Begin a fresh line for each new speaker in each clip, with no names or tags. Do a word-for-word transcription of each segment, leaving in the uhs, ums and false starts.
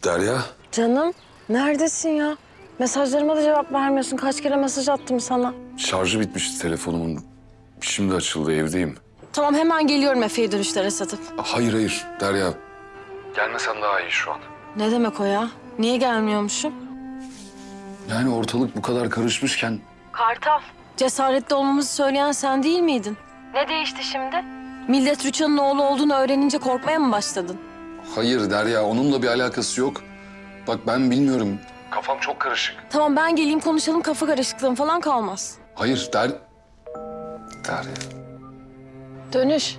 Derya.
Canım, neredesin ya? Mesajlarıma da cevap vermiyorsun. Kaç kere mesaj attım sana.
Şarjı bitmişti telefonumun. Şimdi açıldı, evdeyim.
Tamam, hemen geliyorum Efe'yi dönüşlere satıp.
Hayır hayır Derya. Gelmesen daha iyi şu an.
Ne demek o ya? Niye gelmiyormuşum?
Yani ortalık bu kadar karışmışken...
Kartal. Cesaretli olmamızı söyleyen sen değil miydin? Ne değişti şimdi? Millet Rüçhan'ın oğlu olduğunu öğrenince korkmaya mı başladın?
Hayır Derya, onunla bir alakası yok. Bak ben bilmiyorum. Kafam çok karışık.
Tamam, ben geleyim konuşalım, kafa karışıklığın falan kalmaz.
Hayır Der... Derya.
Dönüş.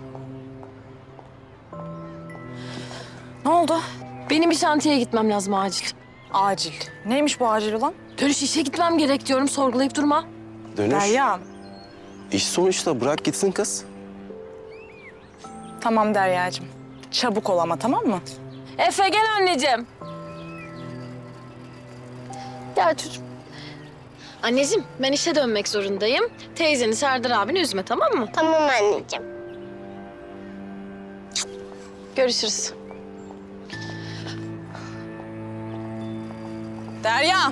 Ne oldu? Benim bir şantiyeye gitmem lazım acil.
Acil. Neymiş bu acil olan?
Dönüş, işe gitmem gerek diyorum, sorgulayıp durma.
Dönüş.
Derya.
İş sonuçta, bırak gitsin kız.
Tamam Derya'cığım. Çabuk ol ama, tamam mı?
Efe gel anneciğim. Gel çocuğum. Anneciğim, ben işe dönmek zorundayım. Teyzeni, Serdar abini üzme, tamam mı?
Tamam anneciğim.
Görüşürüz.
Derya.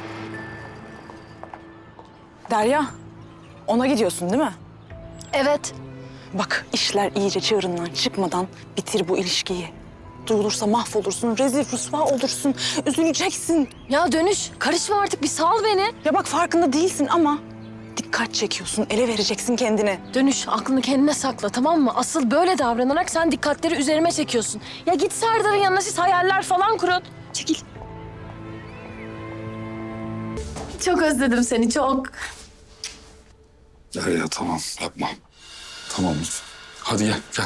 Derya. Ona gidiyorsun değil mi?
Evet.
Bak, işler iyice çığırından çıkmadan bitir bu ilişkiyi. Duyulursa mahvolursun, rezil rüsva olursun, üzüleceksin.
Ya Dönüş, karışma artık, bir sal beni.
Ya bak, farkında değilsin ama dikkat çekiyorsun, ele vereceksin kendini.
Dönüş, aklını kendine sakla, tamam mı? Asıl böyle davranarak sen dikkatleri üzerime çekiyorsun. Ya git Serdar'ın yanına, siz hayaller falan kurun. Çekil. Çok özledim seni, çok.
Derya tamam, yapma. Tamam lütfen. Hadi gel, gel.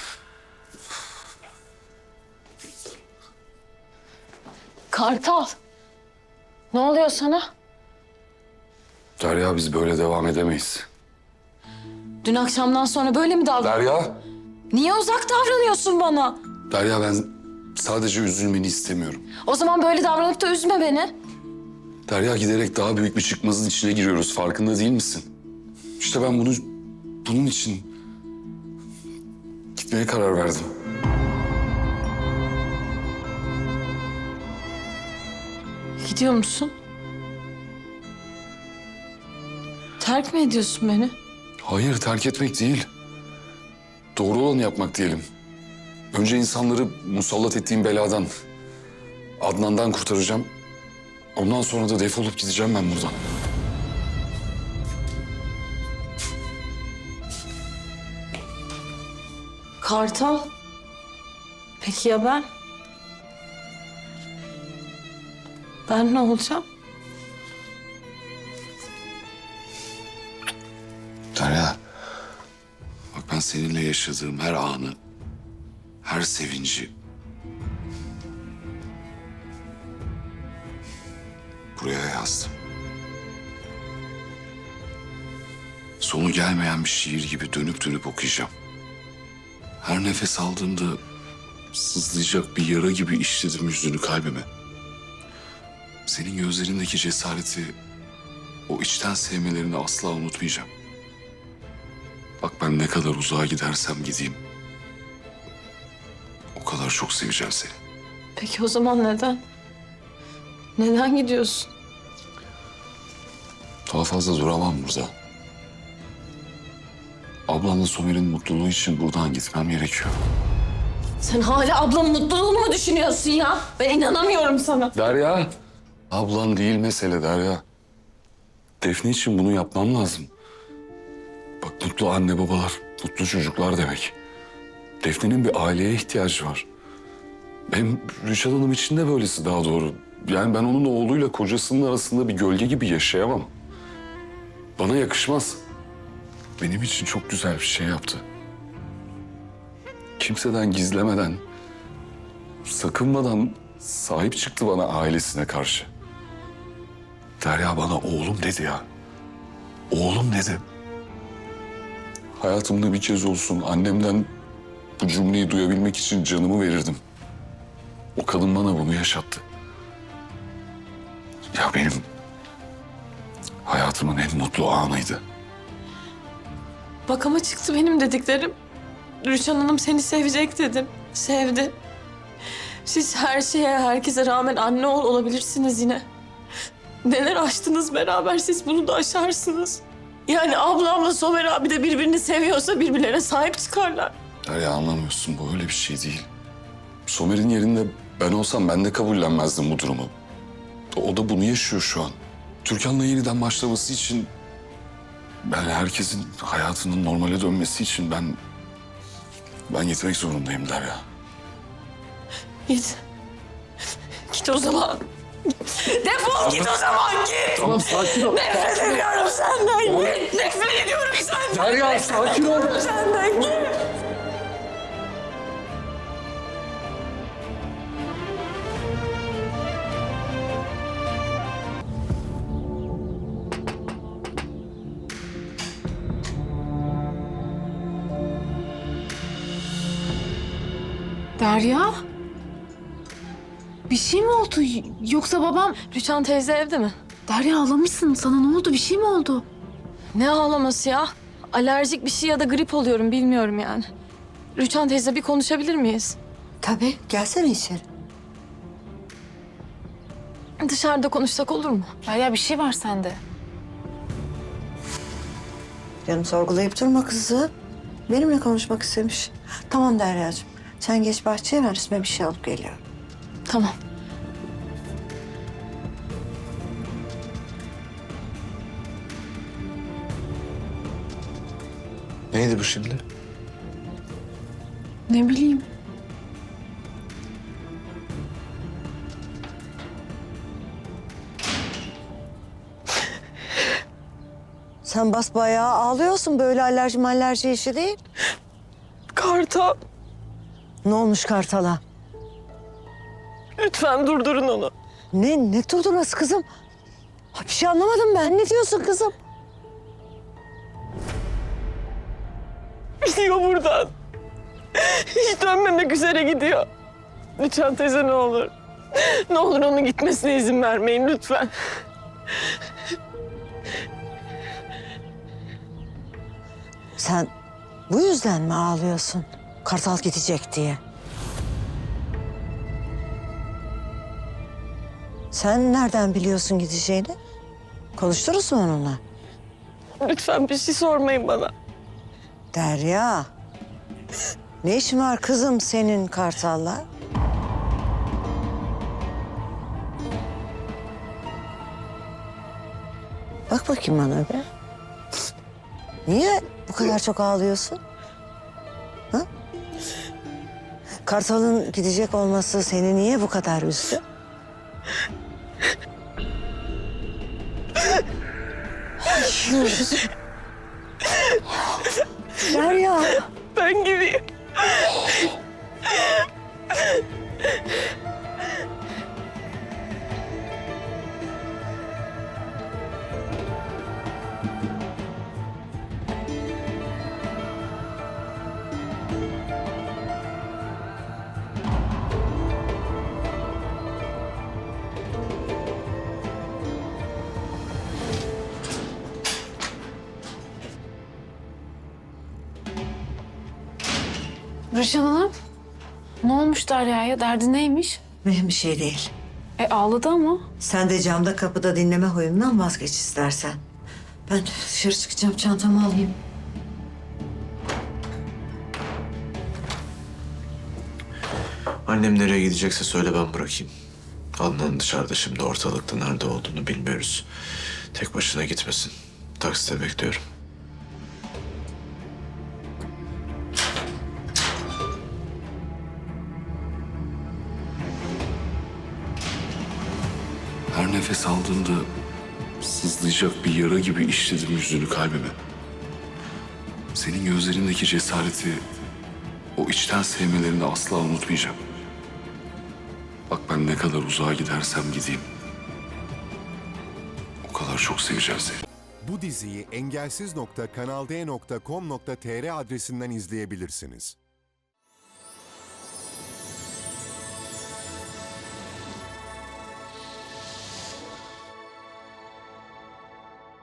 Kartal. Ne oluyor sana?
Derya, biz böyle devam edemeyiz.
Dün akşamdan sonra böyle mi davran?
Derya.
Niye uzak davranıyorsun bana?
Derya, ben sadece üzülmeni istemiyorum.
O zaman böyle davranıp da üzme beni.
Derya, giderek daha büyük bir çıkmazın içine giriyoruz. Farkında değil misin? İşte ben bunu, bunun için gitmeye karar verdim.
Gidiyor musun? Terk mi ediyorsun beni?
Hayır, terk etmek değil. Doğru olanı yapmak diyelim. Önce insanları musallat ettiğim beladan, Adnan'dan kurtaracağım. Ondan sonra da defolup gideceğim ben buradan.
Kartal. Peki ya ben? Ben ne olacağım?
Derya, bak ben seninle yaşadığım her anı, her sevinci buraya yazdım. Sonu gelmeyen bir şiir gibi dönüp dönüp okuyacağım. Her nefes aldığımda sızlayacak bir yara gibi işledim yüzünü kalbime. Senin gözlerindeki cesareti, o içten sevmelerini asla unutmayacağım. Bak ben ne kadar uzağa gidersem gideyim, o kadar çok seveceğim seni.
Peki o zaman neden? Neden gidiyorsun?
Daha fazla duramam burada. Ablamla Somer'in mutluluğu için buradan gitmem gerekiyor.
Sen hala ablamın mutluluğunu mu düşünüyorsun ya? Ben inanamıyorum sana.
Derya. Ablan değil mesele Derya. Defne için bunu yapmam lazım. Bak mutlu anne babalar, mutlu çocuklar demek. Defne'nin bir aileye ihtiyacı var. Hem Rüçhan Hanım için de böylesi daha doğru. Yani ben onun oğluyla kocasının arasında bir gölge gibi yaşayamam. Bana yakışmaz. Benim için çok güzel bir şey yaptı. Kimseden gizlemeden, sakınmadan sahip çıktı bana ailesine karşı. Derya bana oğlum dedi ya. Oğlum dedi. Hayatımda bir kez olsun annemden bu cümleyi duyabilmek için canımı verirdim. O kadın bana bunu yaşattı. Ya benim hayatımın en mutlu anıydı.
Bak ama çıktı benim dediklerim. Rüçhan Hanım seni sevecek dedim. Sevdi.
Siz her şeye, herkese rağmen anne oğul olabilirsiniz yine. Neler aştınız beraber, siz bunu da aşarsınız. Yani ablamla Somer abi de birbirini seviyorsa birbirlerine sahip çıkarlar.
Derya anlamıyorsun, bu öyle bir şey değil. Somer'in yerinde ben olsam ben de kabullenmezdim bu durumu. O da bunu yaşıyor şu an. Türkan'la yeniden başlaması için... Ben herkesin hayatının normale dönmesi için ben... Ben gitmek zorundayım Derya.
Git. Git o zaman. Defol git o zaman, git.
Tamam sakin ol.
Nefret ediyorum senden, git. Nefret ediyorum senden.
Derya sakin ol.
Senden git.
Derya? Bir şey mi oldu? Yoksa babam...
Rüçhan teyze evde mi?
Derya ağlamışsın. Sana ne oldu? Bir şey mi oldu?
Ne ağlaması ya? Alerjik bir şey ya da grip oluyorum bilmiyorum yani. Rüçhan teyze bir konuşabilir miyiz?
Tabii, gelsene içeri.
Dışarıda konuşsak olur mu?
Derya bir şey var sende.
Canım sorgulayıp durma kızı. Benimle konuşmak istemiş. Tamam Derya'cığım. Sen geç bahçeye, ben üstüme bir şey alıp geliyorum.
Tamam.
Neydi bu şimdi?
Ne bileyim.
Sen basbayağı ağlıyorsun. Böyle alerji malerji işi değil.
Kartal,
Ne olmuş Kartal'a?
lütfen durdurun onu.
Ne, ne durdurması kızım? Ha, bir şey anlamadım ben. Ne diyorsun kızım?
Gidiyor buradan. Hiç dönmemek üzere gidiyor. Lütfen teyze ne olur. Ne olur onun gitmesine izin vermeyin lütfen.
Sen bu yüzden mi ağlıyorsun? Kartal gidecek diye. Sen nereden biliyorsun gideceğini? Konuştunuz mu onunla?
Lütfen bir şey sormayın bana.
Derya. Ne işin var kızım senin Kartal'la? Bak bakayım bana be. Niye bu kadar çok ağlıyorsun? Ha? Kartal'ın gidecek olması seni niye bu kadar üzdü? Hayır. Derya.
Ben gideyim.
Rüçhan Hanım. Ne olmuş Derya'ya? Derdi neymiş?
Mühim bir şey değil.
E ağladı ama.
Sen de camda kapıda dinleme huyundan vazgeç istersen. Ben dışarı çıkacağım, çantamı alayım.
Annem nereye gidecekse söyle, ben bırakayım. Adnan dışarıda şimdi, ortalıkta nerede olduğunu bilmiyoruz. Tek başına gitmesin. Takside bekliyorum.
Her nefes aldığımda sızlayacak bir yara gibi işledim yüzünü kalbime. Senin gözlerindeki cesareti, o içten sevmelerini asla unutmayacağım. Bak ben ne kadar uzağa gidersem gideyim, o kadar çok seveceğim seni.
Bu diziyi engelsiz nokta kanal d nokta com nokta tr adresinden izleyebilirsiniz.